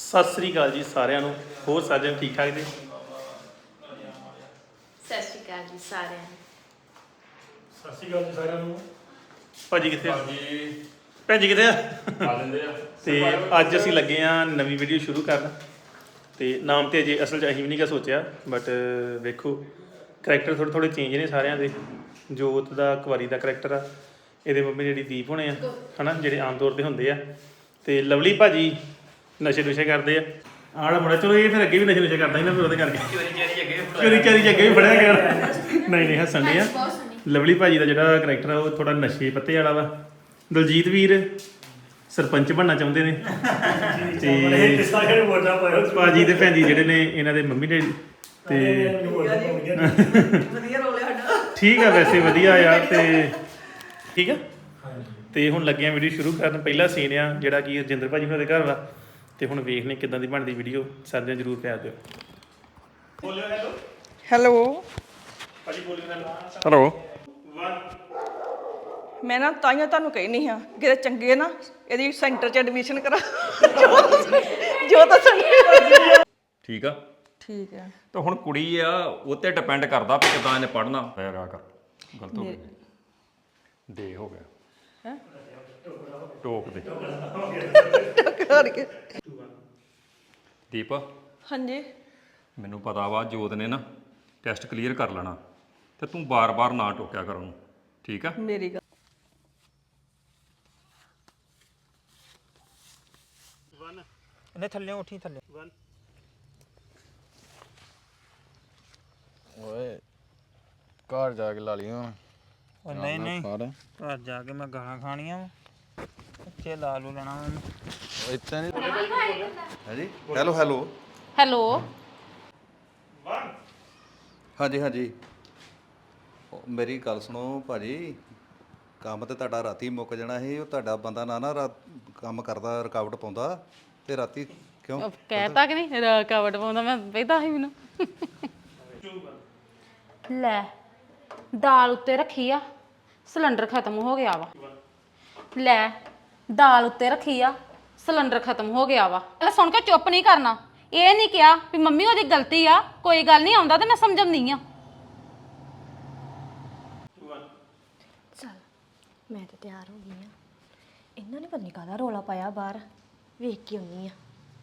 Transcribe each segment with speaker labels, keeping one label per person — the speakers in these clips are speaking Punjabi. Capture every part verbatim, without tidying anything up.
Speaker 1: ਸਤਿ ਸ੍ਰੀ ਅਕਾਲ ਜੀ ਸਾਰਿਆਂ ਨੂੰ। ਹੋਰ ਸਾਜਣ ਠੀਕ ਠਾਕ ਜੀ?
Speaker 2: ਸਤਿ ਸ਼੍ਰੀ ਅਕਾਲ ਜੀ ਸਾਰਿਆਂ ਨੂੰ।
Speaker 3: ਸਤਿ ਸ਼੍ਰੀ ਅਕਾਲ ਜੀ ਸਾਰਿਆਂ ਨੂੰ।
Speaker 1: ਭਾਜੀ ਕਿੱਥੇ ਆ?
Speaker 3: ਭਾਜੀ
Speaker 1: ਭੈਣ ਜੀ ਕਿੱਥੇ ਆ?
Speaker 3: ਆ ਲੈਂਦੇ ਆ
Speaker 1: ਤੇ ਅੱਜ ਅਸੀਂ ਲੱਗੇ ਆ ਨਵੀਂ ਵੀਡੀਓ ਸ਼ੁਰੂ ਕਰਨ। ਤੇ ਨਾਮ ਤੇ ਅਜੇ ਅਸਲ 'ਚ ਅਸੀਂ ਵੀ ਨਹੀਂ ਕਾ ਸੋਚਿਆ, ਬਟ ਵੇਖੋ ਕਰੈਕਟਰ ਥੋੜ੍ਹੇ ਥੋੜ੍ਹੇ ਚੇਂਜ ਨੇ ਸਾਰਿਆਂ ਦੇ। ਜੋਤ ਦਾ ਕੁਵਾਰੀ ਦਾ ਕਰੈਕਟਰ ਆ, ਇਹਦੇ ਮੰਮੀ ਜਿਹੜੀ ਦੀਪ ਹੋਣੇ ਆ ਹੈ ਨਾ, ਜਿਹੜੇ ਆਮ ਤੌਰ 'ਤੇ ਹੁੰਦੇ ਆ। ਤੇ ਲਵਲੀ ਭਾਜੀ ਨਸ਼ੇ ਨੁਸ਼ੇ ਕਰਦੇ ਆ। ਆੜਾ ਮੁੰਡਾ ਚਲੋ ਇਹ ਫਿਰ ਅੱਗੇ ਵੀ ਨਸ਼ੇ ਨੁਸ਼ੇ ਕਰਦਾ ਸੀ ਨਾ, ਫਿਰ ਉਹਦੇ ਕਰਕੇ ਚੋਰੀ ਚਾਰੀ 'ਚ ਅੱਗੇ ਵੀ ਫੜਿਆ ਗਿਆ। ਨਹੀਂ ਨਹੀਂ ਹੱਸਣ ਦੇ ਆ। ਲਵਲੀ ਭਾਜੀ ਦਾ ਜਿਹੜਾ ਕਰੈਕਟਰ ਆ ਉਹ ਥੋੜਾ ਨਸ਼ੇ ਪੱਤੇ ਵਾਲਾ ਵਾ। ਦਲਜੀਤ ਵੀਰ ਸਰਪੰਚ ਬਣਨਾ ਚਾਹੁੰਦੇ ਨੇ ਤੇ ਭਾਜੀ ਤੇ ਭੈਣ ਜੀ ਜਿਹੜੇ ਨੇ ਇਹਨਾਂ ਦੇ ਮੰਮੀ ਡੈਡੀ। ਤੇ ਠੀਕ ਆ, ਵੈਸੇ ਵਧੀਆ ਯਾਰ। ਤੇ ਠੀਕ ਆ। ਤੇ ਹੁਣ ਲੱਗੇ ਆ ਵੀਡੀਓ ਸ਼ੁਰੂ ਕਰਨ। ਪਹਿਲਾ ਸੀਨ ਆ ਜਿਹੜਾ ਕਿ ਰਜਿੰਦਰ ਭਾਜੀ ਉਹਨਾਂ ਦੇ ਘਰ ਵਾ। ਤੇ ਹੁਣ ਵੇਖਨੇ ਕਿੱਦਾਂ ਦੀ ਬਣਦੀ ਵੀਡੀਓ। ਸਾਰਿਆਂ ਜ਼ਰੂਰ ਪਿਆਰ ਦਿਓ। ਬੋਲਿਓ ਹੈਲੋ।
Speaker 4: ਹੈਲੋ
Speaker 1: ਭਾਜੀ ਬੋਲਿਓ ਹੈਲੋ।
Speaker 4: ਹੈਲੋ।
Speaker 1: ਵਨ
Speaker 4: ਮੈਂ ਨਾ ਤਾਈਆਂ ਤੁਹਾਨੂੰ ਕਹੀ ਨਹੀਂ ਹਾਂ ਕਿ ਚੰਗੇ ਨਾ ਇਹਦੀ ਸੈਂਟਰ 'ਚ ਐਡਮਿਸ਼ਨ ਕਰਾ ਜੋ ਤਾਂ
Speaker 5: ਠੀਕ ਆ।
Speaker 4: ਠੀਕ ਹੈ।
Speaker 5: ਤਾਂ ਹੁਣ ਕੁੜੀ ਆ ਉਹ ਤੇ ਡਿਪੈਂਡ ਕਰਦਾ ਵੀ ਕਿਦਾਂ ਇਹਨੇ ਪੜ੍ਹਨਾ ਪਿਆ ਕਰ। ਗਲਤ ਹੋ ਗਿਆ, ਦੇ ਹੋ ਗਿਆ ਹੈ ਟੋਕ ਦੇ।
Speaker 4: ਕਰਕੇ
Speaker 5: ਦੀਪ
Speaker 4: ਹਾਂਜੀ
Speaker 5: ਮੈਨੂੰ ਪਤਾ ਵਾ ਜੋਤ ਨੇ ਨਾ ਟੈਸਟ ਕਲੀਅਰ ਕਰ ਲੈਣਾ, ਤੇ ਤੂੰ ਬਾਰ-ਬਾਰ ਨਾ ਟੋਕਿਆ ਕਰ ਉਹਨੂੰ, ਠੀਕ ਆ?
Speaker 4: ਮੇਰੀ ਗੱਲ
Speaker 6: ਇਹਨੇ ਥੱਲੇ ਉੱਠੀ ਥੱਲੇ।
Speaker 7: ਓਏ ਘਰ ਜਾ ਕੇ ਲਾ ਲਈ ਹੁਣ।
Speaker 6: ਉਹ ਨਹੀਂ ਨਹੀਂ ਘਰ ਜਾ ਕੇ ਮੈਂ ਗਾਲਾਂ ਖਾਣੀਆਂ ਵਾ। ਉੱਥੇ ਲਾ ਲੂ ਲੈਣਾ ਮੈਨੂੰ।
Speaker 7: ਇੱਥੇ ਨਹੀਂ ਹਾਂਜੀ। Hello hello
Speaker 2: hello.
Speaker 7: ਹਾਂਜੀ ਹਾਂਜੀ। ਉਹ ਮੇਰੀ ਗੱਲ ਸੁਣੋ ਭਾਜੀ, ਕੰਮ ਤੇ ਤੁਹਾਡਾ ਰਾਤੀ ਮੁੱਕ ਜਾਣਾ ਸੀ। ਉਹ ਤੁਹਾਡਾ ਬੰਦਾ ਨਾ ਨਾ ਰਾਤ ਕੰਮ ਕਰਦਾ, ਰੁਕਾਵਟ ਪਾਉਂਦਾ ਤੇ ਰਾਤੀ ਕਿਉਂ
Speaker 2: ਕਹਿਤਾ ਕਿ ਨਹੀਂ ਰਕਾਵਟ ਪਾਉਂਦਾ? ਮੈਂ ਪਹਿਦਾ ਸੀ ਮੈਨੂੰ। ਲੈ ਦਾਲ ਉੱਤੇ ਰੱਖੀ ਆ, ਸਿਲੰਡਰ ਖਤਮ ਹੋ ਗਿਆ ਵਾ। ਲੈ ਦਾਲ ਉੱਤੇ ਰੱਖੀ ਆ, ਸਿਲੰਡਰ ਖਤਮ ਹੋ ਗਿਆ ਵਾ। ਇਹ ਸੁਣ ਕੇ ਚੁੱਪ ਨਹੀਂ ਕਰਨਾ। ਇਹ ਨਹੀਂ ਕਿਹਾ ਵੀ ਮੰਮੀ ਉਹਦੀ ਗਲਤੀ ਆ, ਕੋਈ ਗੱਲ ਨਹੀਂ, ਆਉਂਦਾ ਤੇ ਮੈਂ ਸਮਝਾਉਂਦੀ ਆ।
Speaker 8: ਚੱਲ ਮੈਂ ਤਾਂ ਤਿਆਰ ਹੋ ਗਈ ਆ। ਇਹਨਾਂ ਨੇ ਪਤਾ ਨਹੀਂ ਕਾਹਦਾ ਰੌਲਾ ਪਾਇਆ ਬਾਹਰ, ਵੇਖ ਕੇ ਆਉਣੀ ਆ।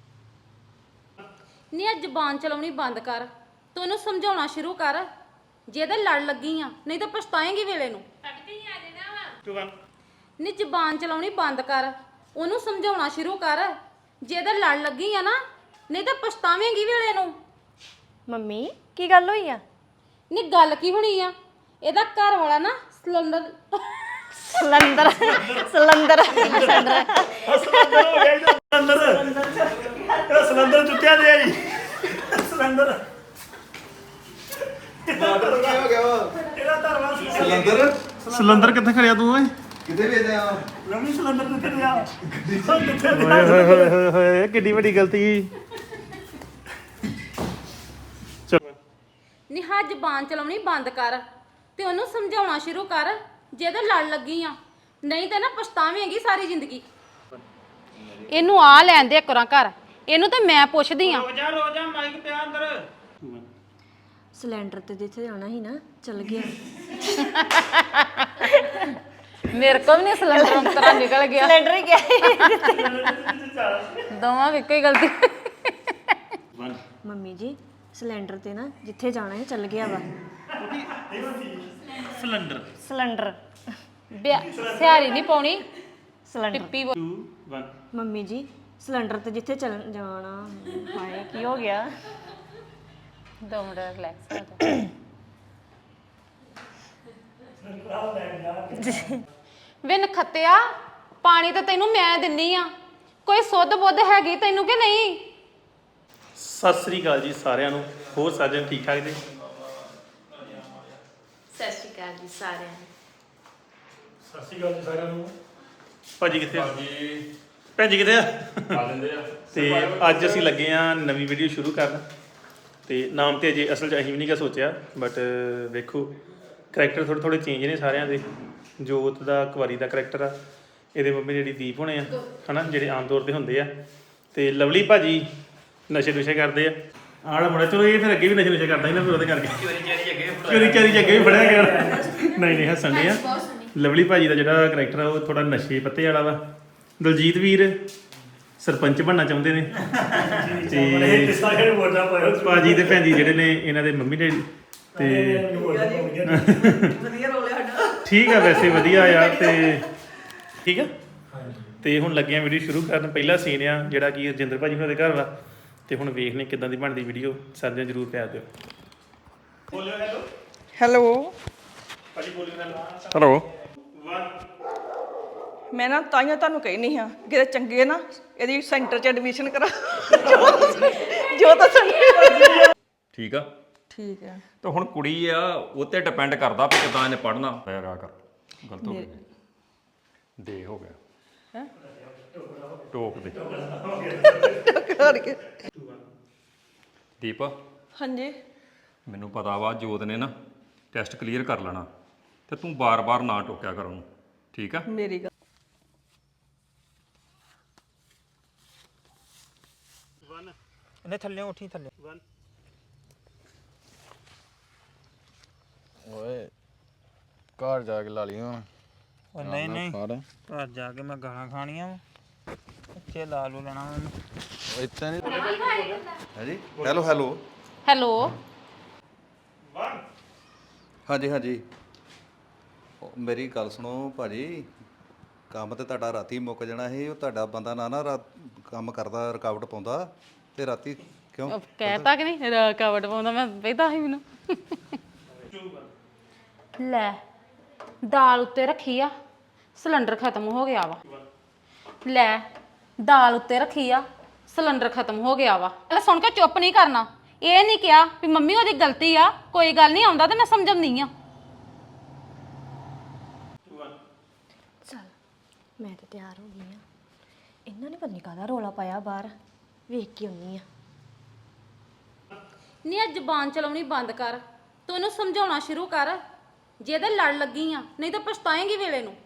Speaker 2: ਨਹੀਂ, ਅੱਜ ਜ਼ਬਾਨ ਚਲਾਉਣੀ ਬੰਦ ਕਰ ਤੂੰ ਉਹਨੂੰ ਸਮਝਾਉਣਾ ਸ਼ੁਰੂ ਕਰ। ਜੇ ਇਹਦੇ ਲੜ ਲੱਗੀ ਆ, ਨਹੀਂ ਤਾਂ ਪਛਤਾਏਂਗੀ ਵੇਲੇ ਨੂੰ। ਨਹੀਂ, ਜ਼ਬਾਨ ਚਲਾਉਣੀ ਬੰਦ ਕਰ, ਉਹਨੂੰ ਸਮਝਾਉਣਾ ਸ਼ੁਰੂ ਕਰ। ਜੇ ਇਹਦੇ ਲੜ ਲੱਗੀ ਆ ਨਾ, ਨਹੀਂ ਤਾਂ ਪਛਤਾਵੇਂਗੀ ਵੇਲੇ ਨੂੰ।
Speaker 8: ਮੰਮੀ ਕੀ ਗੱਲ ਹੋਈ ਆ?
Speaker 2: ਨਹੀਂ ਗੱਲ ਕੀ ਹੋਣੀ ਆ, ਇਹਦਾ ਘਰ ਵਾਲਾ ਨਾ ਸਿਲੰਡਰ
Speaker 8: ਸਿਲੰਡਰ ਸਿਲੰਡਰ
Speaker 1: ਸਿਲੰਡਰ ਹੋ ਗਿਆ ਇਹਦਾ। ਸਿਲੰਡਰ ਇਹ ਸਿਲੰਡਰ ਚੁੱਕਿਆ ਦੇ ਜੀ। ਸਿਲੰਡਰ
Speaker 7: ਮਾਡਲ ਕੀ ਹੋ ਗਿਆ ਵਾ?
Speaker 1: ਇਹਦਾ ਧਰਵਾ
Speaker 7: ਸਿਲੰਡਰ
Speaker 1: ਸਿਲੰਡਰ ਕਿੱਥੇ ਖੜਿਆ ਤੂੰ ਓਏ?
Speaker 7: ਕਿੱਥੇ ਵੇਚਦੇ ਆ?
Speaker 1: ਲੰਮੀ ਸਿਲੰਡਰ ਕਿੱਥੇ ਗਿਆ? ਓਏ ਹੋਏ ਹੋਏ ਹੋਏ ਹੋਏ, ਕਿੱਡੀ ਵੱਡੀ ਗਲਤੀ। ਚਲੋ
Speaker 2: ਨਹੀਂ, ਹਾਂ ਜ਼ਬਾਨ ਚਲਾਉਣੀ ਬੰਦ ਕਰ ਤੇ ਉਹਨੂੰ ਸਮਝਾਉਣਾ ਸ਼ੁਰੂ ਕਰ। ਜੇ ਇਹਦੇ ਲੜ ਲੱਗੀ ਆ, ਨਹੀਂ ਤਾਂ ਨਾ ਪਛਤਾਵੇਂਗੀ ਸਾਰੀ ਜ਼ਿੰਦਗੀ। ਇਹਨੂੰ ਆ ਲੈਣ ਦੇ ਕਰਾਂ ਘਰ, ਇਹਨੂੰ ਤਾਂ ਮੈਂ ਪੁੱਛਦੀ ਆ।
Speaker 6: ਰੋਜਾ ਰੋਜਾ ਮਾਈਕ ਪਿਆ ਅੰਦਰ।
Speaker 8: ਸਿਲੰਡਰ ਤੇ ਜਿੱਥੇ ਜਾਣਾ ਸੀ ਨਾ, ਚੱਲ ਗਿਆ।
Speaker 2: ਮੇਰੇ ਕੋਲ ਵੀ ਨਹੀਂ ਸਿਲੰਡਰ ਅੰਤਰਾ ਨਿਕਲ ਗਿਆ।
Speaker 8: ਸਿਲੰਡਰ ਹੀ ਗਿਆ।
Speaker 2: ਦੋਵਾਂ ਦੀ ਇੱਕੋ ਹੀ ਗਲਤੀ।
Speaker 8: ਮੰਮੀ ਜੀ ਸਿਲੰਡਰ ਤੇ ਨਾ ਜਿੱਥੇ ਜਾਣਾ ਹੈ ਚੱਲ ਗਿਆ ਵਾ।
Speaker 1: ਸਿਲੰਡਰ
Speaker 8: ਸਿਲੰਡਰ
Speaker 2: ਸਿਆਰੀ ਨਹੀਂ ਪਾਉਣੀ,
Speaker 8: ਸਿਲੰਡਰ
Speaker 2: ਪਿੱਪੀ
Speaker 1: ਟੂ ਵਨ।
Speaker 8: ਮੰਮੀ ਜੀ ਸਿਲੰਡਰ ਤੇ ਜਿੱਥੇ ਚੱਲ ਜਾਣਾ। ਹਾਏ ਕੀ ਹੋ ਗਿਆ?
Speaker 2: ਦੋ ਮਿੰਟ ਰਿਲੈਕਸ ਕਰ। ਵੇ ਨਖੱਤਿਆ, ਪਾਣੀ ਤਾਂ ਤੈਨੂੰ ਮੈਂ ਦਿੰਨੀ ਆ, ਕੋਈ ਸੁੱਧ ਬੁੱਧ ਹੈਗੀ ਤੈਨੂੰ ਕਿ ਨਹੀਂ?
Speaker 1: ਸਤਿ ਸ੍ਰੀ ਅਕਾਲ ਜੀ ਸਾਰਿਆਂ ਨੂੰ। ਹੋਰ ਸਾਜਣ ਠੀਕ ਠਾਕ ਜੀ?
Speaker 2: ਸਤਿ ਸ਼੍ਰੀ ਅਕਾਲ ਜੀ ਸਾਰਿਆਂ ਨੂੰ।
Speaker 3: ਸਤਿ ਸ਼੍ਰੀ ਅਕਾਲ ਜੀ ਸਾਰਿਆਂ ਨੂੰ।
Speaker 1: ਭਾਜੀ ਕਿੱਥੇ ਆ?
Speaker 3: ਭਾਜੀ
Speaker 1: ਭੈਣ ਜੀ ਕਿੱਥੇ ਆ?
Speaker 3: ਆ ਲੈਂਦੇ ਆ
Speaker 1: ਤੇ ਅੱਜ ਅਸੀਂ ਲੱਗੇ ਆ ਨਵੀਂ ਵੀਡੀਓ ਸ਼ੁਰੂ ਕਰਨ। ਤੇ ਨਾਮ ਤੇ ਅਜੇ ਅਸਲ 'ਚ ਅਸੀਂ ਵੀ ਨਹੀਂ ਕਾ ਸੋਚਿਆ, ਬਟ ਵੇਖੋ ਕਰੈਕਟਰ ਥੋੜ੍ਹੇ ਥੋੜ੍ਹੇ ਚੇਂਜ ਨੇ ਸਾਰਿਆਂ ਦੇ। ਜੋਤ ਦਾ ਕੁਵਾਰੀ ਦਾ ਕਰੈਕਟਰ ਆ, ਇਹਦੇ ਮੰਮੀ ਜਿਹੜੀ ਦੀਪ ਹੋਣੇ ਆ ਹੈ ਨਾ, ਜਿਹੜੇ ਆਮ ਤੌਰ 'ਤੇ ਹੁੰਦੇ ਆ। ਤੇ ਲਵਲੀ ਭਾਜੀ ਨਸ਼ੇ ਨੁਸ਼ੇ ਕਰਦੇ ਆ ਆੜਾ ਮੁੰਡਾ ਚਲੋ ਇਹ ਫਿਰ ਅੱਗੇ ਵੀ ਨਸ਼ੇ ਨੁਸ਼ੇ ਕਰਦਾ ਸੀ ਨਾ ਫਿਰ ਉਹਦੇ ਕਰਕੇ ਚੋਰੀ ਚਾਰੀ ਅੱਗੇ ਚੋਰੀ ਚਾਰੀ ਅੱਗੇ ਵੀ ਫੜਿਆ ਗਿਆ ਨਹੀਂ ਨਹੀਂ ਹੱਸਣ ਦੇ ਆ ਲਵਲੀ ਭਾਜੀ ਦਾ ਜਿਹੜਾ ਕਰੈਕਟਰ ਆ ਉਹ ਥੋੜਾ ਨਸ਼ੇ ਪੱਤੇ ਵਾਲਾ ਵਾ ਦਲਜੀਤ ਵੀਰ ਸਰਪੰਚ ਬਣਨਾ ਚਾਹੁੰਦੇ ਨੇ ਤੇ
Speaker 3: ਸਾਰੇ ਵੋਟਾਂ ਪਾਇਓ
Speaker 1: ਭਾਜੀ ਤੇ ਭੈਣ ਜੀ ਜਿਹੜੇ ਨੇ ਇਹਨਾਂ ਦੇ ਮੰਮੀ ਡੈਡੀ ਤੇ
Speaker 4: ਵਧੀਆ ਰੋਲ ਹੈ ਸਾਡਾ
Speaker 1: ਠੀਕ ਆ ਵੈਸੇ ਵਧੀਆ ਆ ਤੇ ਠੀਕ ਆ ਤੇ ਹੁਣ ਲੱਗੇ ਆ ਵੀਡੀਓ ਸ਼ੁਰੂ ਕਰਨ ਪਹਿਲਾ ਸੀਨ ਆ ਜਿਹੜਾ ਕਿ ਰਜਿੰਦਰ ਭਾਜੀ ਉਹਨਾਂ ਦੇ ਘਰ ਵਾ ਤੇ ਹੁਣ ਵੇਖਨੇ ਕਿਦਾਂ ਦੀ ਬਣਦੀ ਵੀਡੀਓ ਸਾਰਿਆਂ ਜਰੂਰ ਪਿਆਰ ਦਿਓ ਬੋਲਿਓ ਹੈਲੋ
Speaker 4: ਹੈਲੋ
Speaker 1: ਭਾਜੀ ਬੋਲਿਓ ਹੈਲੋ
Speaker 5: ਹੈਲੋ
Speaker 4: ਮੈਂ ਨਾ ਤਾਈਆਂ ਤੁਹਾਨੂੰ ਕਹੀ ਨਹੀਂ ਹਾਂ ਕਿਤੇ ਚੰਗੇ ਨਾ ਇਹਦੀ ਸੈਂਟਰ 'ਚ ਐਡਮਿਸ਼ਨ ਕਰਾ ਜੋ ਤਾਂ ਸਾਨੂੰ
Speaker 5: ਠੀਕ ਆ
Speaker 4: ਠੀਕ ਹੈ
Speaker 5: ਤਾਂ ਹੁਣ ਕੁੜੀ ਆ ਉਹ ਤੇ ਡਿਪੈਂਡ ਕਰਦਾ ਵੀ ਕਿਦਾਂ ਇਹਨੇ ਪੜਨਾ ਪਿਆ ਰਿਹਾ ਕਰ ਗਲਤ ਹੋ ਗਿਆ ਦੇ ਹੋ ਗਿਆ ਹੈ ਟੋਕ ਦੇ
Speaker 4: ਕਰਕੇ
Speaker 5: ਦੀਪ
Speaker 4: ਹਾਂਜੀ
Speaker 5: ਮੈਨੂੰ ਪਤਾ ਵਾ ਜੋਤ ਨੇ ਨਾ ਟੈਸਟ ਕਲੀਅਰ ਕਰ ਲੈਣਾ ਤੇ ਤੂੰ ਬਾਰ-ਬਾਰ ਨਾ ਟੋਕਿਆ ਕਰ ਉਹਨੂੰ ਠੀਕ ਆ
Speaker 4: ਮੇਰੀ ਗੱਲ
Speaker 6: ਇਹਨੇ ਥੱਲੇ ਉੱਠੀ ਥੱਲੇ
Speaker 9: ਓਏ ਘਰ ਜਾ ਕੇ ਲਾ ਲਈ ਹੁਣ
Speaker 6: ਉਹ ਨਹੀਂ ਨਹੀਂ
Speaker 9: ਫੜ
Speaker 6: ਘਰ ਜਾ ਕੇ ਮੈਂ ਗਾਲਾਂ ਖਾਣੀਆਂ ਵਾ ਉੱਥੇ ਲਾ ਲੂ ਲੈਣਾ ਮੈਨੂੰ
Speaker 9: ਉਹ ਇੱਥੇ ਨਹੀਂ
Speaker 7: ਹੈ ਜੀ ਹੈਲੋ ਹੈਲੋ
Speaker 2: ਹੈਲੋ
Speaker 7: ਹਾਂਜੀ ਹਾਂਜੀ ਉਹ ਮੇਰੀ ਗੱਲ ਸੁਣੋ ਭਾਜੀ ਕੰਮ ਤੇ ਤੁਹਾਡਾ ਰਾਤੀ ਮੁੱਕ ਜਾਣਾ ਸੀ ਉਹ ਤੁਹਾਡਾ ਬੰਦਾ ਨਾ ਨਾ ਰਾਤ ਕੰਮ ਕਰਦਾ ਰੁਕਾਵਟ ਪਾਉਂਦਾ ਤੇ ਰਾਤੀ ਕਿਉਂ
Speaker 2: ਕਹਿਤਾ ਕਿ ਨਹੀਂ ਰਕਾਵਟ ਪਾਉਂਦਾ ਮੈਂ ਵੇਖਦਾ ਸੀ ਮੈਨੂੰ ਲੈ ਦਾਲ ਉੱਤੇ ਰੱਖੀ ਆ ਸਿਲੰਡਰ ਖਤਮ ਹੋ ਗਿਆ ਵਾ ਲੈ ਦਾਲ ਉੱਤੇ ਰੱਖੀ ਆ ਸਿਲੰਡਰ ਖਤਮ ਹੋ ਗਿਆ ਵਾ ਇਹ ਸੁਣ ਕੇ ਚੁੱਪ ਨਹੀਂ ਕਰਨਾ ਇਹ ਨਹੀਂ ਕਿਹਾ ਵੀ ਮੰਮੀ ਉਹਦੀ ਗਲਤੀ ਆ ਕੋਈ ਗੱਲ ਨਹੀਂ ਆਉਂਦਾ ਤੇ ਮੈਂ ਸਮਝਾਉਂਦੀ ਆ
Speaker 8: ਚੱਲ ਮੈਂ ਤਾਂ ਤਿਆਰ ਹੋ ਗਈ ਆ ਇਹਨਾਂ ਨੇ ਪਤਾ ਨਹੀਂ ਕਾਹਦਾ ਰੋਲਾ ਪਾਇਆ ਬਾਹਰ ਵੇਖ ਕੇ ਆਉਣੀ ਆ
Speaker 2: ਨੀ ਆ ਜ਼ਬਾਨ ਚਲਾਉਣੀ ਬੰਦ ਕਰ ਤੂੰ ਉਹਨੂੰ ਸਮਝਾਉਣਾ ਸ਼ੁਰੂ ਕਰ ਜੇ ਇਹਦੇ ਲੜ ਲੱਗੀ ਆ ਨਹੀਂ ਤਾਂ ਪਛਤਾਏਂਗੀ ਵੇਲੇ ਨੂੰ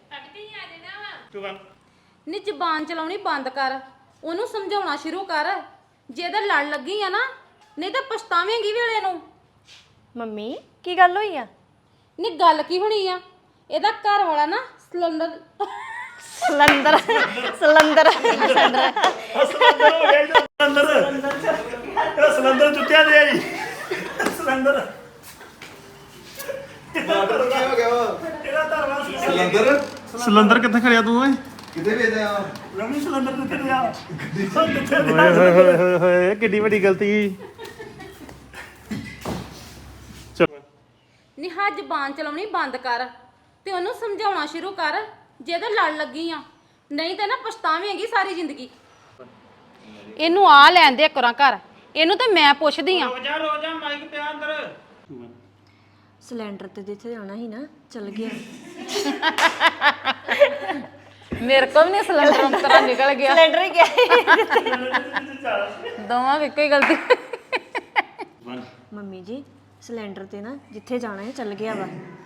Speaker 2: ਨੀ ਜ਼ਬਾਨ ਚਲਾਉਣੀ ਬੰਦ ਕਰ ਉਹਨੂੰ ਸਮਝਾਉਣਾ ਸ਼ੁਰੂ ਕਰ ਜੇ ਇਹਦੇ ਲੜ ਲੱਗੀ ਆ ਨਾ ਨਹੀਂ ਤਾਂ ਪਛਤਾਵੇਂਗੀ ਵੇਲੇ ਨੂੰ
Speaker 8: ਮੰਮੀ ਕੀ ਗੱਲ ਹੋਈ ਆ
Speaker 2: ਨੀ ਗੱਲ ਕੀ ਹੋਣੀ ਆ ਇਹਦਾ ਘਰ ਵਾਲਾ ਨਾ ਸਿਲੰਡਰ
Speaker 8: ਸਿਲੰਡਰ ਸਿਲੰਡਰ
Speaker 1: ਸਿਲੰਡਰ ਇਹ ਸਿਲੰਡਰ ਚੁੱਕਿਆ ਦੇ ਜੀ ਸਿਲੰਡਰ
Speaker 7: ਸਿਲੰਦਰ
Speaker 1: ਸਿਲੰਡਰ ਕਿੱਥੇ ਖੜਿਆ ਤੂੰ ਓਏ
Speaker 7: ਕਿੱਥੇ ਵੇਚਦੇ ਆ
Speaker 3: ਰਮੀ ਸਿਲੰਡਰ ਕਿੱਥੇ ਗਿਆ
Speaker 1: ਓਏ ਹੋਏ ਹੋਏ ਹੋਏ ਹੋਏ ਕਿੱਡੀ ਵੱਡੀ ਗਲਤੀ ਚਲੋ
Speaker 2: ਨੀ ਹਾਂ ਜ਼ਬਾਨ ਚਲਾਉਣੀ ਬੰਦ ਕਰ ਤੇ ਉਹਨੂੰ ਸਮਝਾਉਣਾ ਸ਼ੁਰੂ ਕਰ ਜੇ ਇਹਦੇ ਲੜ ਲੱਗੀ ਆ ਨਹੀਂ ਤਾਂ ਨਾ ਪਛਤਾਵੇਂਗੀ ਸਾਰੀ ਜ਼ਿੰਦਗੀ ਇਹਨੂੰ ਆ ਲੈਣ ਦੇ ਕਰਾਂ ਘਰ ਇਹਨੂੰ ਤੇ ਮੈਂ ਪੁੱਛਦੀ ਆ
Speaker 6: ਰੋਜਾ ਰੋਜਾ ਮਾਈਕ ਪਿਆ ਅੰਦਰ
Speaker 8: ਸਿਲੰਡਰ ਤੇ ਜਿੱਥੇ ਜਾਣਾ ਸੀ ਨਾ ਚੱਲ ਗਿਆ
Speaker 2: ਮੇਰੇ ਕੋਲ ਵੀ ਨਹੀਂ ਸਿਲੰਡਰ ਅੰਤਰਾ ਨਿਕਲ ਗਿਆ
Speaker 8: ਸਿਲੰਡਰ ਹੀ ਗਿਆ
Speaker 2: ਦੋਵਾਂ ਦੀ ਇੱਕੋ ਹੀ ਗਲਤੀ
Speaker 8: ਮੰਮੀ ਜੀ ਸਿਲੰਡਰ ਤੇ ਨਾ ਜਿੱਥੇ ਜਾਣਾ ਹੈ ਚੱਲ ਗਿਆ ਵਾ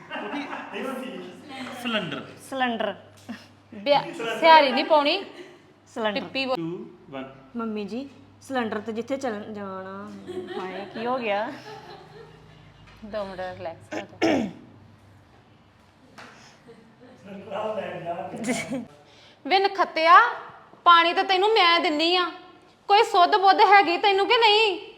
Speaker 1: ਸਿਲੰਡਰ
Speaker 8: ਸਿਲੰਡਰ
Speaker 2: ਸਿਹਾਰੀ ਨਹੀਂ ਪਾਉਣੀ
Speaker 8: ਸਿਲੰਡਰ
Speaker 2: ਟਿੱਪੀ
Speaker 1: two one
Speaker 8: ਮੰਮੀ ਜੀ ਸਿਲੰਡਰ ਤੇ ਜਿੱਥੇ ਚੱਲ ਜਾਣਾ ਹਾਏ ਕੀ ਹੋ ਗਿਆ
Speaker 2: ਦੋ ਮਿੰਟ ਰਿਲੈਕਸ ਹੋ ਜਾ ਵੇ ਨਖੱਤਿਆ ਪਾਣੀ ਤਾਂ ਤੈਨੂੰ ਮੈਂ ਦਿੰਨੀ ਆ ਕੋਈ ਸੁੱਧ ਬੁੱਧ ਹੈਗੀ ਤੈਨੂੰ ਕਿ ਨਹੀਂ